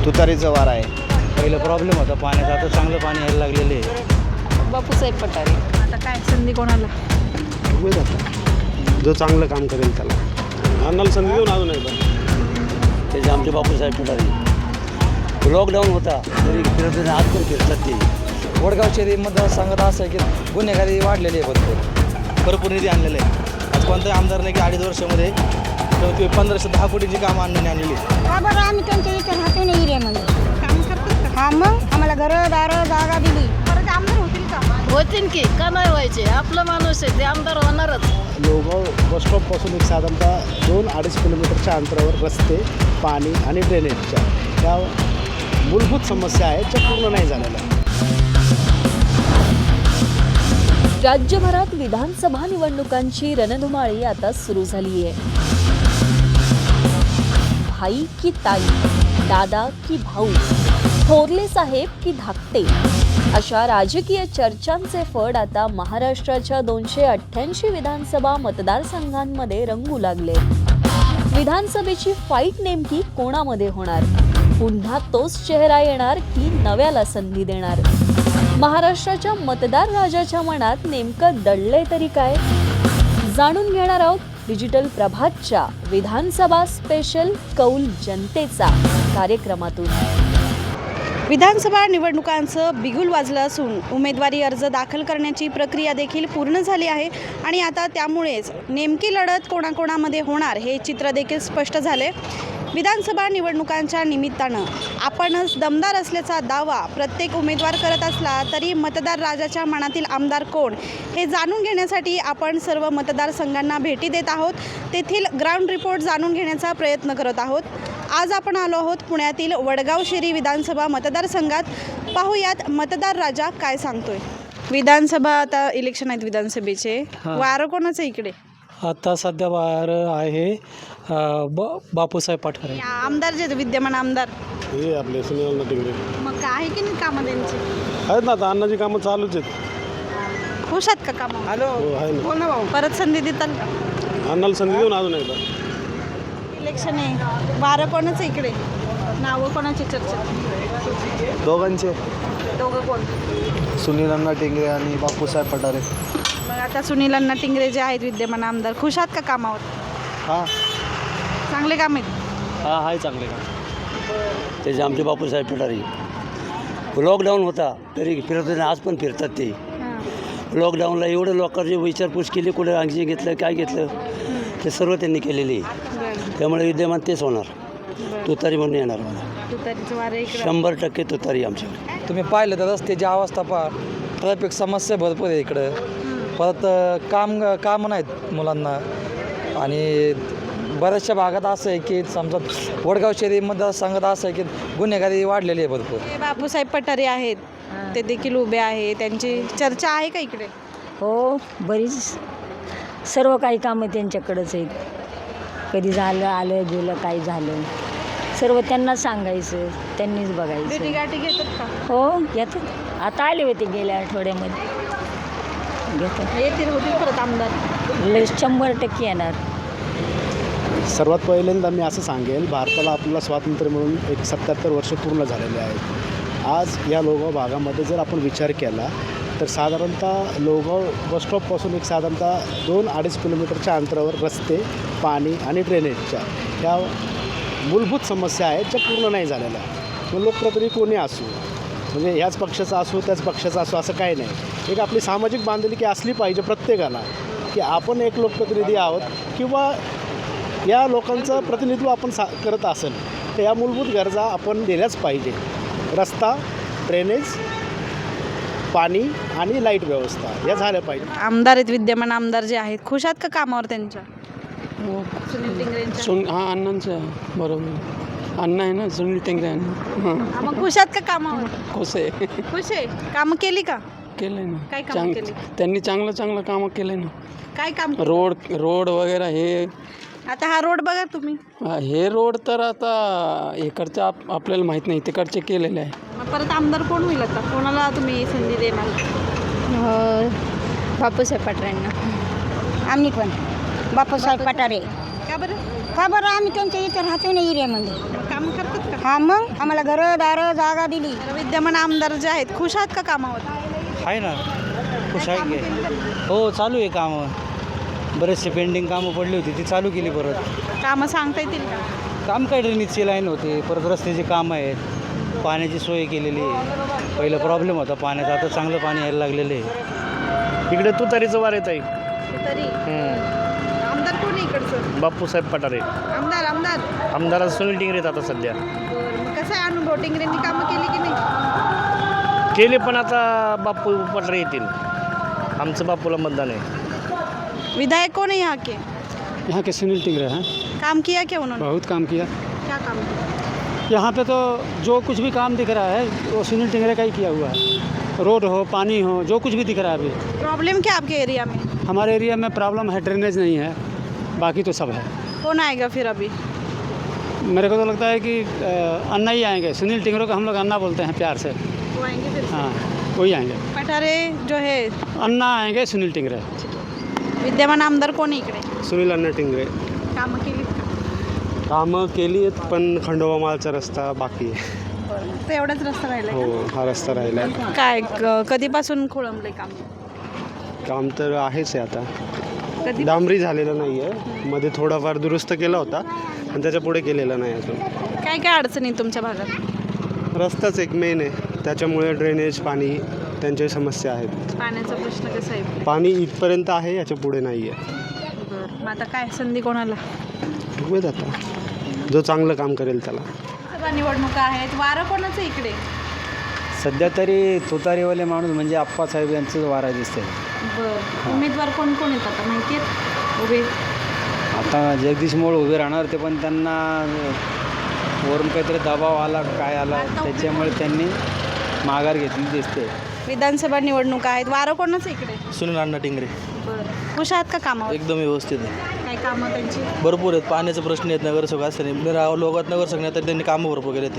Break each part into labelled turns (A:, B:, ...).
A: तुतारीचं वार आहे.
B: पहिलं प्रॉब्लेम होता पाण्याचा, आता चांगलं पाणी यायला लागलेलं आहे.
C: बापूसाहेब पठारे.
D: आता काय संधी कोणाला?
E: बघूया आता जो चांगलं काम करेल त्याला अन्नाला संधी देऊन अजून एकदा
F: त्याचे आमचे बापूसाहेब पठारे. लॉकडाऊन होता तरी फिरत आज पण फिरतात ते.
B: वडगाव शहरी मतदारसंघात असं आहे की गुन्हेगारी वाढलेली आहे, भरपूर निधी आणलेला आहे. आज कोणत्याही आमदारने की 2.5 वर्षामध्ये 1510 कोटीची कामं आणलेली.
G: का बरं आम्ही त्यांच्या इथे राहतो ना एरियामध्ये
D: काम करतात का?
G: हा मग आम्हाला घरं दारं जागा दिली.
D: परत आमदार होतील का?
C: होतीन की का नाही व्हायचे? आपलं माणूस आहे ते आमदार होणारच.
A: लोगाव बसस्टॉपपासून एक साधारणतः 2-2.5 किलोमीटरच्या अंतरावर रस्ते, पाणी आणि ड्रेनेजच्या त्या मूलभूत समस्या आहेत ज्या पूर्ण नाही झालेल्या.
H: राज्यभरात विधानसभा निवडणुकांची रणधुमाळी आता सुरू झाली आहे. भाई की ताई, दादा की भाऊ, थोरले साहेब की धाकटे, अशा राजकीय चर्चांचे फड आता महाराष्ट्राच्या 288 विधानसभा मतदारसंघांमध्ये रंगू लागले. विधानसभेची फाईट नेमकी कोणामध्ये होणार? पुन्हा तोच चेहरा येणार की नव्याला संधी देणार? महाराष्ट्राच्या मतदार राजाच्या मनात नेमकं दडलंय तरी काय? जाणून घेणार आहोत डिजिटल प्रभातच्या विधानसभा स्पेशल कौल जनतेचा कार्यक्रमातून.
D: विधानसभा निवडणुकांचं बिगुल वाजलं असून उमेदवारी अर्ज दाखल करण्याची प्रक्रिया देखील पूर्ण झाली आहे आणि आता त्यामुळेच नेमकी लढत कोणाकोणामध्ये होणार हे चित्र देखील स्पष्ट झाले. विधानसभा निवडणुकांच्या निमित्तानं आपणच दमदार असल्याचा दावा प्रत्येक उमेदवार करत असला तरी मतदार राजाच्या मनातील आमदार कोण हे जाणून घेण्यासाठी आपण सर्व मतदारसंघांना भेटी देत आहोत. तेथील ग्राउंड रिपोर्ट जाणून घेण्याचा प्रयत्न करत आहोत. आज आपण आलो आहोत पुण्यातील वडगाव शेरी विधानसभा मतदारसंघात. पाहूयात मतदार राजा काय सांगतोय. विधानसभा आता इलेक्शन आहेत विधानसभेचे. वारं कोणाचं इकडे?
E: आता सध्या बाहेर आहे बापूसाहेब पठारे.
D: आमदार जे विद्यमान आमदार
E: हे आपले सुनील टिंगरे
D: मग काय आहे की नाही कामं त्यांची?
E: आहेत ना, आता अन्नाची कामं चालूच आहेत.
D: खुश आहेत का कामं?
B: हॅलो,
E: हो आहे ना.
D: बोल ना भाऊ. परत संधी देताल का?
E: अन्नाला संधी देऊन अजून एकदा.
D: इलेक्शन आहे, वारं कोणाचं इकडे? नावं कोणाची चर्चा?
A: दोघांचे,
D: दोघं कोण?
A: सुनील अण्णा टिंगरे आणि बापूसाहेब पठारे.
D: मग आता सुनील अण्णा टिंगरे जे आहेत विद्यमान आमदार, खुश आहात का कामावर?
A: हां
D: चांगले काम आहेत.
E: हा आहे चांगले काम.
F: त्याचे आमचे बापूसाहेब पठारे. लॉकडाऊन होता तरी फिरत आज पण फिरतात ते. लॉकडाऊनला एवढं लोकांची विचारपूस केली, कुठे अंगची घेतलं काय घेतलं ते सर्व त्यांनी केलेले आहे. त्यामुळे विद्यमान तेच होणार. तुतारी म्हणून येणार मला.
D: तुतारीचं वारं इकडे.
F: 100% तुतारी आमच्याकडे.
B: तुम्ही पाहिलं तर रस्त्याची अवस्था पहा, ट्रॅफिक समस्या भरपूर आहे इकडं. परत काम नाहीत मुलांना आणि बऱ्याचशा भागात असं आहे की समजा वडगाव शहरी मतदारसंघात असं आहे की गुन्हेगारी वाढलेली आहे भरपूर.
D: हे बापूसाहेब पठारे आहेत, ते देखील उभे आहे. त्यांची चर्चा आहे का इकडे?
I: हो, बरीच सर्व काही कामं त्यांच्याकडंच आहेत. कधी झालं, आलं गेलं, काही झालं सर्व त्यांना सांगायचं, त्यांनीच बघायचं.
D: भेटीगाठी घेतात का?
I: हो येतात. आता आले होते गेल्या आठवड्यामध्ये. घेतात.
D: येतील, होतील परत आमदार?
I: 100% येणार.
A: सर्वात पहिल्यांदा मी असं सांगेल, भारताला आपल्याला स्वातंत्र्य मिळून एक 77 वर्ष पूर्ण झालेले आहेत. आज या लोगाव भागामध्ये जर आपण विचार केला तर साधारणतः लोगाव बसस्टॉपपासून एक साधारणतः 2-2.5 किलोमीटरच्या अंतरावर रस्ते, पाणी आणि ड्रेनेजच्या ह्या मूलभूत समस्या आहेत ज्या पूर्ण नाही झालेल्या. मग लोकप्रतिनिधी कोणी असू, म्हणजे ह्याच पक्षाचा असो त्याच पक्षाचा असो असं काही नाही. एक आपली सामाजिक बांधिलकी असली पाहिजे प्रत्येकाला की आपण एक लोकप्रतिनिधी आहोत किंवा या लोकांचं प्रतिनिधित्व आपण करत असेल तर या मूलभूत गरजा आपण दिल्याच पाहिजे. रस्ता, ड्रेनेज, पाणी आणि लाईट व्यवस्था या झाल्या पाहिजे.
D: आमदार आहेत विद्यमान आमदार जे आहेत, खुश आहात का कामावर त्यांच्या? सुनील टिंगरेंच्या.
E: हां अण्णांचं बरोबर. अण्णा आहे ना, सुनील टिंगरे अण्णा.
D: मग खुश आहात का कामावर?
E: खुश आहे.
D: खुश आहे. कामं केली का?
E: केलं ना.
D: काय कामं केली?
E: त्यांनी चांगलं कामं केलं ना.
D: काय काम केलं?
E: रोड वगैरे हे.
D: आता हा रोड बघा तुम्ही.
E: हे रोड तर आता इकडचं आपल्याला माहीत नाही, तिकडचे केलेले आहे.
D: मग परत आमदार कोण होईल आता? कोणाला तुम्ही संधी देणार?
G: बापूसाहेब पठारेंना. आम्ही पण बापूसाहेब पठारे.
D: का बरं?
G: का बरं आम्ही त्यांच्या इथे राहतो ना एरियामध्ये.
D: काम करतात का?
G: हा मग आम्हाला घरं दारं जागा दिली.
D: तर विद्यमान आमदार जे आहेत खुश आहात का कामावर?
B: आहे ना, खुश आहे की. हो, चालू आहे कामं. बरेचसे पेंडिंग कामं पडली होती, ती चालू केली परत.
D: कामं सांगता येतील का?
B: काम काय, ड्रेनेजची लाईन होते, परत रस्त्याची कामं आहेत, पाण्याची सोय केलेली आहे. पहिला प्रॉब्लेम होता पाण्याचा, आता चांगलं पाणी यायला लागलेलं आहे.
E: इकडे तुतारीचं वार येत आहे.
D: तरी आमदार कोण आहे इकडचं?
E: बापूसाहेब पठारे. आमदार सुनील टिंगरे आहेत आता सध्या.
D: मग कसा आहे अनुभव? टिंगरेंनी कामं केली की नाही?
E: केले, पण आता बापू पठारे येतील. आमचं बापूला मतदान आहे.
D: विधायक कौन है यहाँ के?
A: यहाँ के सुनील टिंगरे हैं,
D: काम किया क्या उन्होंने?
A: बहुत काम किया।
D: क्या काम किया?
A: यहाँ पे तो जो कुछ भी काम दिख रहा है वो सुनील टिंगरे का ही किया हुआ है। रोड हो, पानी हो, जो कुछ भी दिख रहा है अभी।
D: प्रॉब्लम क्या आपके एरिया में?
A: हमारे एरिया में प्रॉब्लम है, ड्रेनेज नहीं है, बाकी तो सब है।
D: कौन आएगा फिर अभी?
A: मेरे को तो लगता है कि अन्ना ही आएंगे। सुनील टिंगरे को हम लोग अन्ना बोलते हैं प्यार से।
D: वो आएंगे फिर?
A: हाँ, वही आएंगे।
D: पठारे जो है
A: अन्ना आएंगे, सुनील टिंगरे।
D: विद्यमान आमदार कोण आहे इकडे?
E: सुनील अण्णा टिंगरे.
D: कामं केलीत का?
E: कामं केली आहेत, पण खंडोबा मालचा रस्ता बाकी आहे.
D: तर एवढाच रस्ता राहिलाय
E: हो, हा रस्ता राहिला आहे.
D: का? काय कधीपासून खोळंबलंय काम?
E: काम तर आहेच आहे आता.
D: कधी?
E: डांबरी झालेलं नाही आहे. मध्ये थोडाफार दुरुस्त केला होता, आणि त्याच्या पुढे केलेलं नाही अजून.
D: काय काय अडचणी तुमच्या भागात?
E: रस्ताच एक मेन आहे, त्याच्यामुळे ड्रेनेज, पाणी, त्यांच्या समस्या आहेत.
D: पाण्याचा प्रश्न कसा आहे?
E: पाणी इथपर्यंत आहे, याच्या पुढे नाही आहे.
D: मग आता काय संधी कोणाला?
E: बघूयात आता, जो चांगलं काम करेल त्याला.
D: सभा निवडणुका आहेत, वारं कोणाचं इकडे?
B: सध्या तरी तुतारीवाले माणूस म्हणजे आप्पासाहेब यांचं वारा दिसतंय.
D: बरं, उमेदवार कोण कोण आहेत आता माहिती आहेत उभे?
B: आता जगदीश मोळ उभे राहणार ते, पण त्यांना वरून काहीतरी दबाव आला, काय आला, त्याच्यामुळे त्यांनी माघार घेतली दिसते.
D: विधानसभा निवडणुका आहेत, वारं कोणाचं इकडे?
J: सुनील अण्णा टिंगरे.
D: बरं, खुश आहात का कामावर?
J: एकदम व्यवस्थित आहे.
D: काय कामं त्यांची?
J: भरपूर आहेत. पाण्याचे प्रश्न आहेत, नगरसेवक असताना लोकात नगरसेवक नाही तर त्यांनी कामं भरपूर केले ते.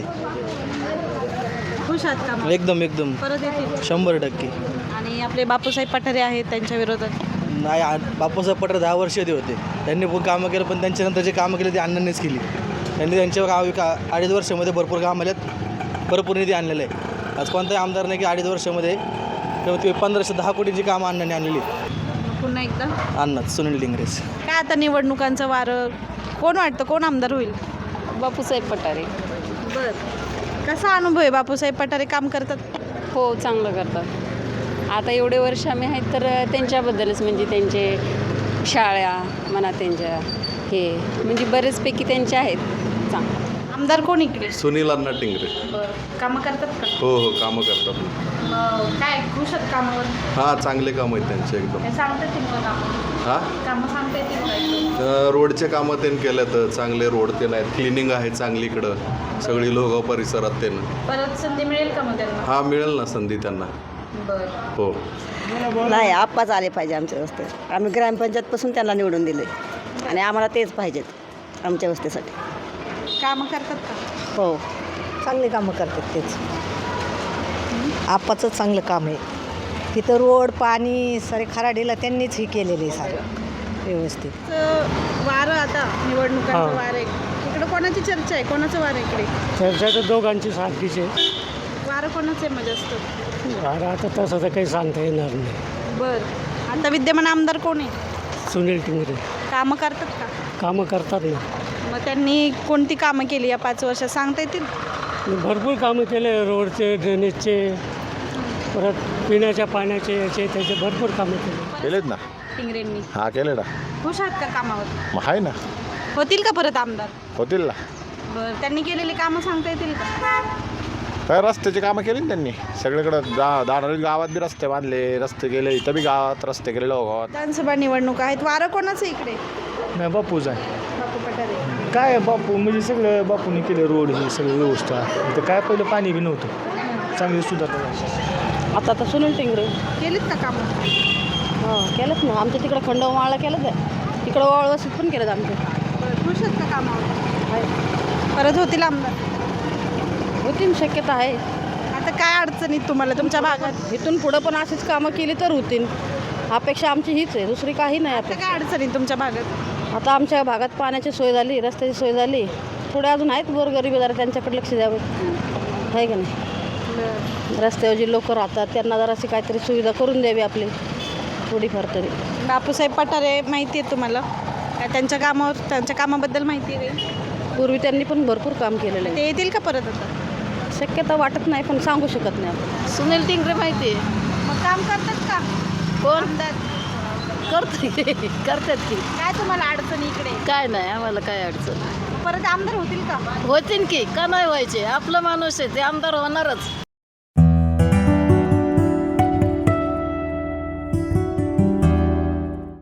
D: खुश आहात कामावर?
J: एकदम
D: परत येतील
J: 100%.
D: आणि आपले बापूसाहेब पठारे आहेत, त्यांच्या विरोधात
J: नाही, बापूसाहेब पठारे 10 वर्ष होते. त्यांनी पण कामं केलं, पण त्यांच्यानंतर जे कामं केली ते अण्णांनीच केली. त्यांनी त्यांच्या 2.5 वर्षामध्ये भरपूर काम आल्यात, भरपूर निधी आणलेलं आहे. आज कोणताही आमदार नाही की 2.5 वर्षामध्ये किंवा ते 1510 कोटीची कामं अण्णांनी आणलेली.
D: पुन्हा एकदा
J: अण्णाच, सुनील टिंगरेच.
D: काय आता निवडणुकांचं वारं कोण वाटतं, कोण आमदार होईल?
C: बापूसाहेब पठारे.
D: बरं, कसा अनुभव आहे? बापूसाहेब पठारे काम करतात?
C: हो, चांगलं करतात. आता एवढे वर्ष आम्ही आहेत तर त्यांच्याबद्दलच, म्हणजे त्यांचे शाळा म्हणा, त्यांच्या हे म्हणजे बरेचपैकी त्यांचे आहेत चांगलं.
D: आमदार कोण इकडे?
K: सुनील अण्णा टिंगरे.
D: बरं, कामं करतात का?
K: हो, कामं करतात.
D: काय खुश आहेत कामावर?
K: हां, चांगले कामं आहेत त्यांचे एकदम.
D: काय सांगता येतील का कामं? कामं सांगता येतील का?
K: रोडचे कामं त्यांनी केल्यात, चांगले रोड ते आहेत, क्लिनिंग आहे चांगली इकडं सगळी लोगाव परिसरात त्यांना.
D: परत संधी मिळेल का मग त्यांना?
K: हां, मिळेल ना संधी त्यांना.
D: बरं.
K: हो.
I: नाही, आप्पाच आले पाहिजे आमच्या वस्तीत. आम्ही ग्रामपंचायतपासून त्यांना निवडून दिले आणि आम्हाला तेच पाहिजेत आमच्या वस्तीसाठी.
D: कामं करतात का?
I: हो, चांगले कामं करतात तेच. आप्पाचं चांगलं काम आहे. तिथं रोड, पाणी सारे खराडीला त्यांनीच हे केलेलं आहे सारं व्यवस्थित.
D: वारं आता निवडणुकांचं वारं आहे इकडं, कोणाची चर्चा आहे? कोणाचं वारं आहे इकडे?
A: चर्चा तर दोघांची सारखीच आहे.
D: वारं कोणाचं आहे मग जास्त?
A: आता तसं तर काही सांगता येणार नाही.
D: बरं, आता विद्यमान आमदार कोण आहे?
A: सुनील टिंगरे
D: कामं करतात का?
A: कामं करतात ना.
D: मग त्यांनी कोणती कामं केली या 5 वर्षात सांगता येतील?
A: भरपूर कामं केले, रोडचे, ड्रेनेजचे, परत पिण्याच्या पाण्याचे, याचे त्याचे भरपूर कामं केले.
K: केलेत ना.
D: टिंगरेंनी.
K: हां, केले ना.
D: खुश आहात का कामावर?
K: मग आहे ना,
D: होतील का परत आमदार?
K: होतील ना.
D: बरं, त्यांनी केलेली कामं सांगता येतील का?
K: काय रस्त्याची कामं केली ना त्यांनी सगळीकडं. दानोली गावात बी रस्ते बांधले, रस्ते केले, इथं बी गावात रस्ते केले गावात.
D: विधानसभा निवडणुका आहेत, वारं कोणाचं इकडे?
E: नाही, बापूच आहे.
D: बापू पठारे.
E: काय बापू म्हणजे सगळं बापूने केलं, रोड ही सगळी व्यवस्था. तर काय पहिलं पाणी बी नव्हतं, चांगली सुधारणा.
C: आता तर सुनील टिंगरे.
D: केलीत का कामं?
C: हो, केलंच ना. आमच्या तिकडं खंडोबाला केलंच आहे, तिकडं वळवसूत पण केलं आमच्या.
D: बरं, खुश आहेत का कामावर? परत होतील आमदार?
C: होतील, शक्यता आहे.
D: आता काय अडचणीत तुम्हाला तुमच्या भागात?
C: इथून पुढं पण अशीच कामं केली तर होतील. अपेक्षा आमची हीच आहे, दुसरी काही नाही
D: आता
C: अपेक्षा.
D: काय अडचणीत तुमच्या भागात?
C: आता आमच्या भागात पाण्याची सोय झाली, रस्त्याची सोय झाली,
G: पुढे अजून आहेत गोरगरीब जरा त्यांच्याकडे लक्ष द्यावं आहे का नाही. रस्त्यावर जे लोक राहतात त्यांना जराशी काहीतरी सुविधा करून द्यावी आपली थोडीफार तरी.
D: बापूसाहेब पठारे माहिती आहे तुम्हाला? काय त्यांच्या कामाबद्दल माहिती आहे काही?
G: पूर्वी त्यांनी पण भरपूर काम केलेलं आहे.
D: ते येतील का परत आता?
G: शक्यता वाटत नाही पण सांगू शकत नाही आपण.
C: सुनील टिंगरे माहिती आहे.
D: मग काम करतात का
C: कोण
D: आमदार?
C: करतात की
D: काय तुम्हाला अडचणी इकडे?
C: काय नाही आम्हाला काय अडचण
D: परत आमदार होतील का?
C: होतीन की का नाही व्हायचे आपला माणूस आहे ते आमदार होणारच.